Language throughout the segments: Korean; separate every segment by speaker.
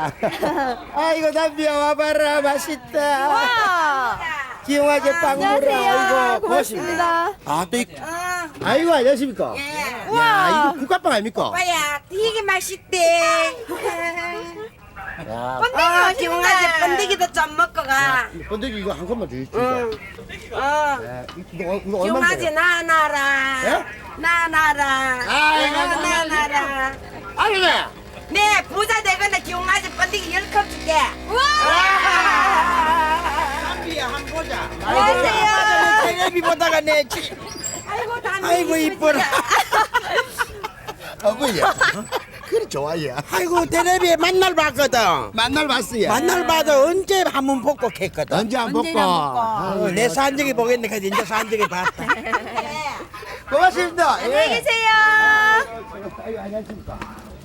Speaker 1: 야. 아이고 담비야 와봐라 맛있다.
Speaker 2: 와.
Speaker 1: 기용하게 빵 물어.
Speaker 2: 안녕하세요.
Speaker 1: 아이고
Speaker 2: 고맙습니다.
Speaker 1: 아또 아이고 안녕하십니까.
Speaker 2: 우와.
Speaker 1: 야 이거 국화빵 아닙니까?
Speaker 3: 오빠야 되게 맛있대.
Speaker 1: 야
Speaker 3: 번데기 기운하지 번데기도 좀 먹고 가.
Speaker 1: 번데기 이거 한 컵만 주십시오.
Speaker 3: 응.
Speaker 1: 이거
Speaker 3: 기운하지
Speaker 1: 얼마인데?
Speaker 3: 나나라.
Speaker 1: 예?
Speaker 3: 나나라.
Speaker 1: 아이고,
Speaker 3: 나나라.
Speaker 1: 아니네.
Speaker 3: 네 부자 되거나 기운하지 번데기 10컵 줄게.
Speaker 4: 담비야 한 보자.
Speaker 3: 안녕하세요.
Speaker 4: 텔레비 보다가 내
Speaker 3: 아이고 담비.
Speaker 4: 아이고 이뻐라.
Speaker 1: 어머니야. 그래 좋아요.
Speaker 4: 아이고 텔레비에 만날 봤거든.
Speaker 1: 만날 봤어요.
Speaker 4: 만날 봐도 언제 한번 복복했거든.
Speaker 1: 언제 안 먹고.
Speaker 4: 내 산적이 보겠네. 그래서 이제 산적이 봤다.
Speaker 1: 고맙습니다.
Speaker 2: 안녕히 계세요.
Speaker 1: 아이고 안녕하십니까.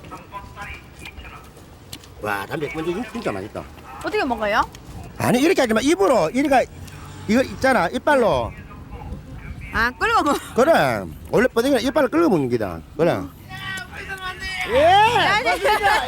Speaker 1: 와 담배 번데기 진짜 맛있다.
Speaker 2: 어떻게 먹어요?
Speaker 1: 아니 이렇게 하지 마. 입으로 이거 있잖아 이빨로.
Speaker 2: 아, 끓여 먹어.
Speaker 1: 그래 원래 번데기는 이빨로 끌어 먹는 기다. 그래. 예.
Speaker 2: 아직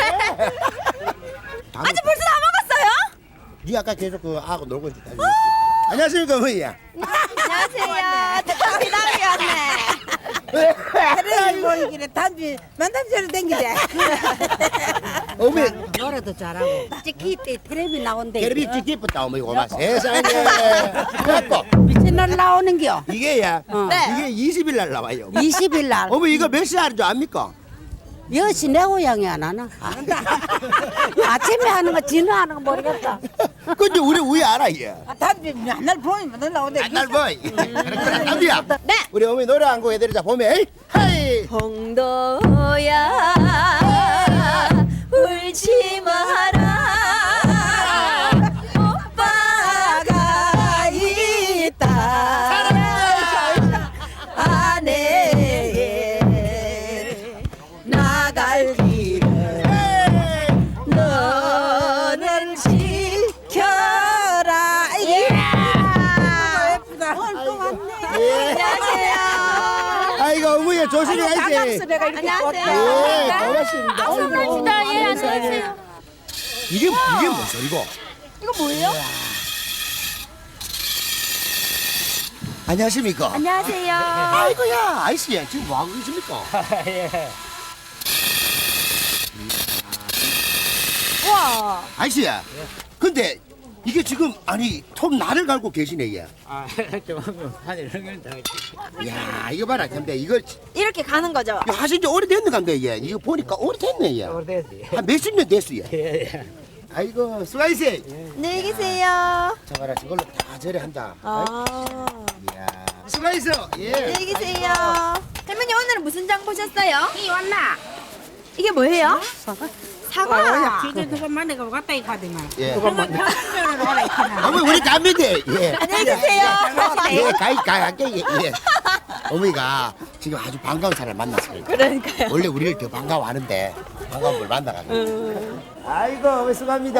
Speaker 2: 벌써 다 먹었어요?
Speaker 1: 니 아까 계속 그 아고 놀고 있지. 안녕하십니까 어머니야.
Speaker 2: 안녕하세요. 담비 왔네.
Speaker 3: 텔레비 보이길래 담비 만담새로 댕기대.
Speaker 1: 어머니
Speaker 3: 노래도 잘하고. 찍기 때 텔레비 나온대.
Speaker 1: 테레비 찍기 예쁘다 어머니 고마. 세상에. 그래갖고
Speaker 3: 채널 나오는겨.
Speaker 1: 이게야.
Speaker 2: 네.
Speaker 1: 이게 20일 날 나와요.
Speaker 3: 20일 날.
Speaker 1: 어머니 이거 몇 시에 하는 줄 압니까?
Speaker 3: 여시 내 고향이 안 하나? 아침에 하는 거 진화하는 거 모르겠다.
Speaker 1: 근데 우리 알아 얘.
Speaker 3: 담비 맨날 보면 맨날 나오는데.
Speaker 1: 안날 보이. 그래 담비야.
Speaker 2: 네.
Speaker 1: 우리 어머니 노래 한 곡 해드리자 봄에. 헤이.
Speaker 2: 홍도야 울지 마라 오빠가 있다 아내에 나갈 길을 너는 지켜라 예쁘다 또 왔네 안녕하세요
Speaker 1: 아이고 어머니 조심히 가야지.
Speaker 2: 안녕하세요.
Speaker 1: 예, 고맙습니다.
Speaker 2: 감사합니다. 예, 안녕하세요.
Speaker 1: 이게 뭔 소리고?
Speaker 2: 이거 뭐예요?
Speaker 1: 안녕하십니까?
Speaker 2: 안녕하세요.
Speaker 1: 아이고야, 아이씨야, 지금 뭐 하고 계십니까?
Speaker 2: 우와.
Speaker 1: 아이씨야, 근데 이게 지금 아니 톱 나를 갈고 계시네 얘.
Speaker 4: 아, 좀 하늘 흥은 다.
Speaker 1: 야, 이거 봐라, 근데 이거
Speaker 2: 이렇게 가는 거죠?
Speaker 1: 이거 하신 지 오래됐는 건데 얘. 이거 보니까 오래됐네 얘.
Speaker 4: 오래됐지.
Speaker 1: 한 몇십 년 됐어 얘.
Speaker 4: 예.
Speaker 1: 아이고, 수고하세요.
Speaker 2: 안녕히 계세요.
Speaker 1: 저 봐라, 저걸로 다 저래 한다.
Speaker 2: 아.
Speaker 1: 이야, 수고하세요. 예.
Speaker 2: 안녕히 계세요. 할머니 오늘은 무슨 장 보셨어요?
Speaker 3: 이 왔나?
Speaker 2: 이게 뭐예요? 사과.
Speaker 3: 지금 누가 만나가 갔다 이 가더만.
Speaker 1: 예.
Speaker 3: 편집면을 오라 이카나.
Speaker 1: 어머니 우리 갑니다. 예.
Speaker 2: 안녕히 계세요.
Speaker 1: 예, 갈게. 예. 어머니가 지금 아주 반가운 사람을 만났어요.
Speaker 2: 그러니까요.
Speaker 1: 원래 우리를 더 반가워하는데 반가운 걸 만나가지고. 아이고, 어머니 수고합니다.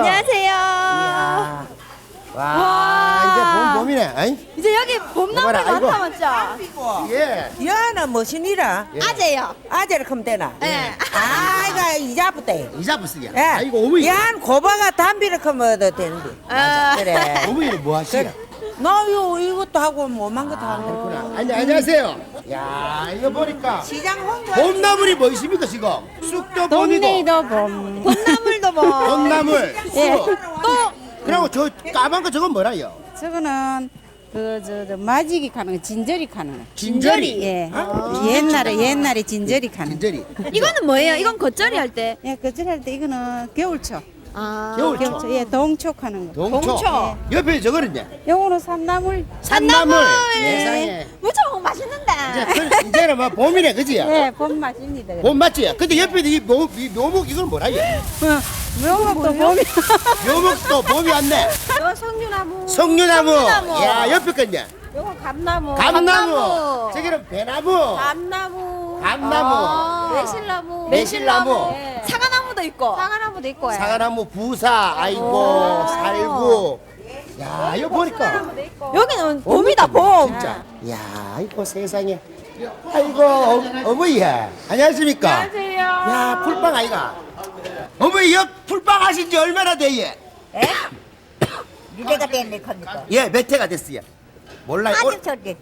Speaker 2: 안녕하세요.
Speaker 1: 와, 이제 봄이네. 어이?
Speaker 2: 이제 여기 봄나물이
Speaker 1: 여봐라, 아이고.
Speaker 2: 많다 맞죠?
Speaker 1: 예.
Speaker 3: 여는 무슨 일이야?
Speaker 2: 아재요.
Speaker 3: 아재를 크면 되나?
Speaker 2: 네.
Speaker 3: 아이가 이자부터 해.
Speaker 1: 이자부스야.
Speaker 3: 예.
Speaker 1: 아이고, 어머니.
Speaker 3: 얀 고바가 담비를 크면 더 되는데.
Speaker 2: 아.
Speaker 3: 그래.
Speaker 1: 어머니는 뭐 하시냐?
Speaker 3: 나요 이것도 하고 뭐만 것도 하고.
Speaker 1: 그렇구나. 안녕하세요. 야, 이거 보니까
Speaker 3: 시장 홍보.
Speaker 1: 봄나물이 뭐 있습니까, 지금? 쑥도 봄이고.
Speaker 3: 봄.
Speaker 2: 봄나물도 뭐.
Speaker 1: 봄나물.
Speaker 3: 예.
Speaker 1: 또. 그리고 저 까만 거 저건 뭐라요?
Speaker 5: 저거는 저 마지기 가는 거, 진저리 가는 거.
Speaker 1: 진저리.
Speaker 5: 예.
Speaker 1: 아,
Speaker 5: 옛날에 진저리 가는 거.
Speaker 1: 진저리.
Speaker 2: 이거는 뭐예요? 이건 겉절이 할 때.
Speaker 5: 예, 그절할 때 이거는 겨울초.
Speaker 2: 아.
Speaker 1: 겨울초.
Speaker 5: 예, 동촉 하는 거.
Speaker 1: 동초. 옆에 저거는요?
Speaker 5: 요거는 산나물.
Speaker 1: 산나물.
Speaker 2: 예.
Speaker 1: 세상에.
Speaker 2: 무척 맛있는데.
Speaker 1: 이제는 뭐 봄이네, 그지요?
Speaker 5: 예, 봄 맛입니다.
Speaker 1: 봄 맞지? 근데 옆에 이 묘목 이건 뭐라요?
Speaker 5: 요것도 봄이.
Speaker 1: 묘목도 봄이 왔네.
Speaker 5: 요 석류나무.
Speaker 1: 석류나무.
Speaker 2: 석류나무.
Speaker 1: 야, 옆에 건요?
Speaker 5: 요거 감나무.
Speaker 1: 감나무. 저기는 배나무.
Speaker 5: 감나무.
Speaker 1: 감나무.
Speaker 5: 매실나무.
Speaker 1: 매실나무.
Speaker 5: 예.
Speaker 2: 사과나무도 있고.
Speaker 5: 사과나무도 있고. 예.
Speaker 1: 사과나무 부사. 아이고, 살구. 야, 이거 보니까.
Speaker 2: 여기는 봄이다 봄.
Speaker 1: 진짜. 야, 아이고 세상에. 아이고 어머니야. 안녕하십니까? 안녕하세요. 야, 풀빵 아이가. 어머니 여 풀빵 하신 지 얼마나 돼예?
Speaker 6: 에? 니네가 됐네 겁니까?
Speaker 1: 예, 몇 해가 됐어요? 몰라요.
Speaker 6: 아직 저기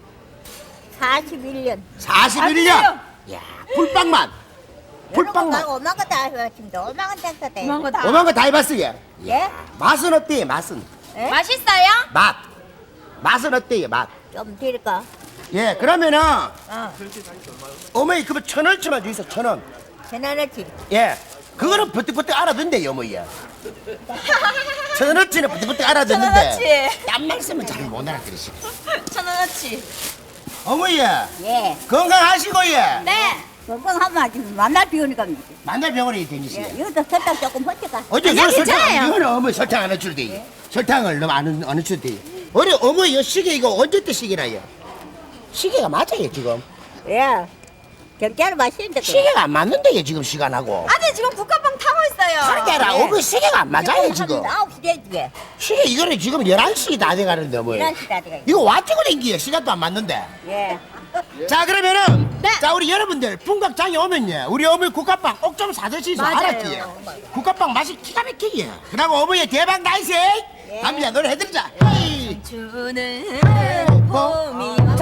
Speaker 6: 41년
Speaker 1: 41년. 야, 풀빵만. 풀빵만.
Speaker 6: 오만 거다 해봤습니다. 오만 건 됐어 돼.
Speaker 2: 그만 거다.
Speaker 1: 오만 거 다 해봤어요.
Speaker 6: 예?
Speaker 1: 맛은 어때요? 맛은?
Speaker 6: 에?
Speaker 2: 맛있어요?
Speaker 1: 맛. 맛은 어때요? 맛.
Speaker 6: 좀 드릴까?
Speaker 1: 예, 그러면은
Speaker 6: 어.
Speaker 1: 어머니 그거 1,000원치만 주이소 1,000원.
Speaker 6: 전화넣지.
Speaker 1: 예, 그거는 버뜩버뜩 알아듣는데요, 어머니. 1,000원치는 버뜩버뜩 알아듣는데.
Speaker 2: 1,000원어치.
Speaker 1: 딴 말씀은 잘 못 알아들으시고.
Speaker 2: 1,000원어치.
Speaker 1: 어머니
Speaker 6: 예.
Speaker 1: 건강하시고 예.
Speaker 2: 네.
Speaker 6: 건강하면 아직 만날 비우니까.
Speaker 1: 만날 병원에 다니시요.
Speaker 6: 예. 이것도 설탕 조금 허치가.
Speaker 1: 어제
Speaker 2: 아니야,
Speaker 1: 그 설탕
Speaker 2: 괜찮아요.
Speaker 1: 이거는 어머니 설탕 안 해줄 때. 설탕을 너무 안 해줄 때. 우리 어머니 이 시계 이거 언제 때 시계나요? 시계가 맞아요 지금.
Speaker 6: 예. 경찰 마시는데.
Speaker 1: 시계가 안 맞는데요 지금 시간하고.
Speaker 2: 아들 지금 국화빵 타고 있어요.
Speaker 1: 그러니까 어머니 시계가 안 맞아요 지금.
Speaker 6: 9시 되지.
Speaker 1: 시계 이거는 지금 11시 다 돼가는데 어머니.
Speaker 6: 11시 다 돼가.
Speaker 1: 이거 와치고 댕기요 시간도 안 맞는데.
Speaker 6: 예.
Speaker 1: 자 그러면은
Speaker 2: 네.
Speaker 1: 자 우리 여러분들 풍각장에 오면요 우리 어머니 국화빵 꼭 좀 사드시소.
Speaker 2: 맞아요.
Speaker 1: 알았지요? 국화빵 맛이 기가 막히게. 그리고 어머니 대박 나이스.
Speaker 6: 예.
Speaker 1: 담비야 노래 해드리자. 헤이.
Speaker 2: 주는 봄이